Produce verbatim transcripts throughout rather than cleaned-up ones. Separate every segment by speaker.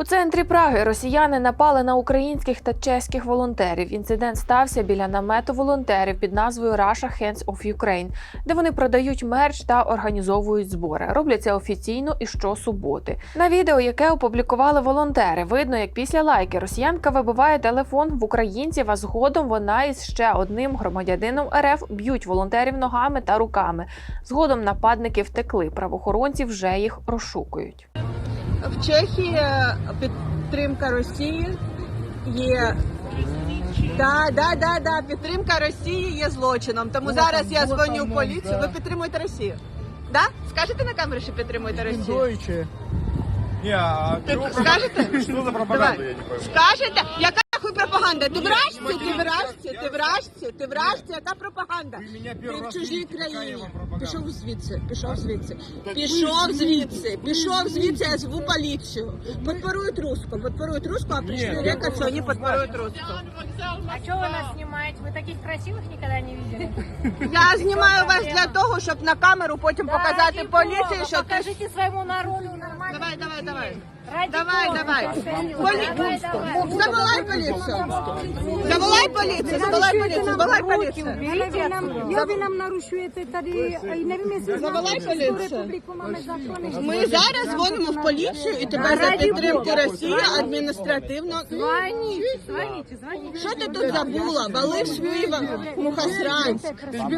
Speaker 1: У центрі Праги росіяни напали на українських та чеських волонтерів. Інцидент стався біля намету волонтерів під назвою Russia Hands of Ukraine, де вони продають мерч та організовують збори. Роблять це офіційно і щосуботи. На відео, яке опублікували волонтери, видно, як після лайки росіянка вибиває телефон в українців, а згодом вона із ще одним громадянином РФ б'ють волонтерів ногами та руками. Згодом нападники втекли, правоохоронці вже їх розшукують.
Speaker 2: В Чехії підтримка Росії є. Да, да, да, да. Підтримка Росії є злочином. Тому зараз я дзвоню в поліцію. Ви підтримуєте Росію? Да? Скажете на камеру, що підтримуєте Росію?
Speaker 3: Не, а
Speaker 2: скажете?
Speaker 3: Что за пропаганда, я не пойму.
Speaker 2: Скажете? Яка нахуй пропаганда? Ти вражці, ти вражці, ти вражці, ти вражці, яка пропаганда? Ти в чужій країні. Пішов звідси, пішов звідси. Пішов звідси, пішов звідси, я зву поліцію. Подпорують руску, подпорують руску, а прийшли рекать, що вони подпорують руску.
Speaker 4: А что вы нас снимаете? Вы таких красивых никогда не видели?
Speaker 2: Я знімаю вас для того, щоб на камеру потім показати поліції, що ти...
Speaker 4: Покажите своему народу нормально.
Speaker 2: Давай, давай, давай.
Speaker 4: Ради
Speaker 2: Давай,
Speaker 4: Бога,
Speaker 2: давай.
Speaker 4: повторю.
Speaker 2: Поли...
Speaker 4: Давай, давай.
Speaker 2: Заволай полицию. Заволай полицию, заволай полицию, заволай полицию.
Speaker 5: Vy nám, jo, vy nám narušujete tady, nevím, jestli
Speaker 2: Заволай
Speaker 5: Českou
Speaker 2: полицию.
Speaker 5: republiku máme zákony.
Speaker 2: Ми зараз дзвонимо в поліцію і тебе за підтримку Росії адміністративно...
Speaker 4: Звоните, звоните, звоните.
Speaker 2: Що ти тут забула? Вали в свій Мухосранськ.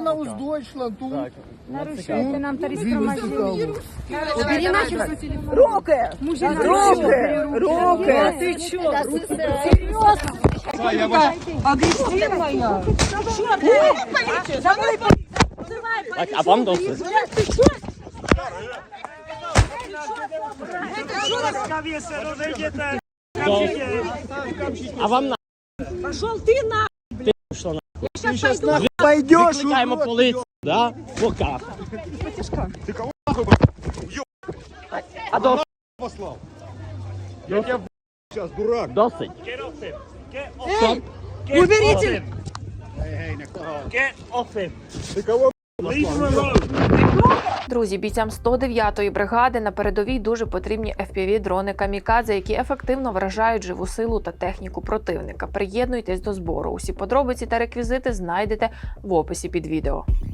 Speaker 5: Narušujete nám tady shromaždění.
Speaker 2: Давай, давай.
Speaker 5: Руки! Руки!
Speaker 2: Руки!
Speaker 5: Ти чо? Серйозно? Агресивна?
Speaker 2: Поліцію, завали поліцію.
Speaker 6: Так, а вам досить? А вам на...
Speaker 2: Пошел ти на...
Speaker 6: Ти пішла на...
Speaker 2: Я щас пойду.
Speaker 3: Пойдешь,
Speaker 6: Викликаємо поліцію, да? Пока.
Speaker 3: Ты кого нахуй
Speaker 6: А досить?
Speaker 3: послал? Я тебя сейчас, дурак.
Speaker 6: Досить.
Speaker 2: Ей, уберите!
Speaker 3: Ты кого
Speaker 1: Друзі, бійцям сто дев'ятої бригади на передовій дуже потрібні еф пі ві-дрони «Камікадзе», які ефективно вражають живу силу та техніку противника. Приєднуйтесь до збору. Усі подробиці та реквізити знайдете в описі під відео.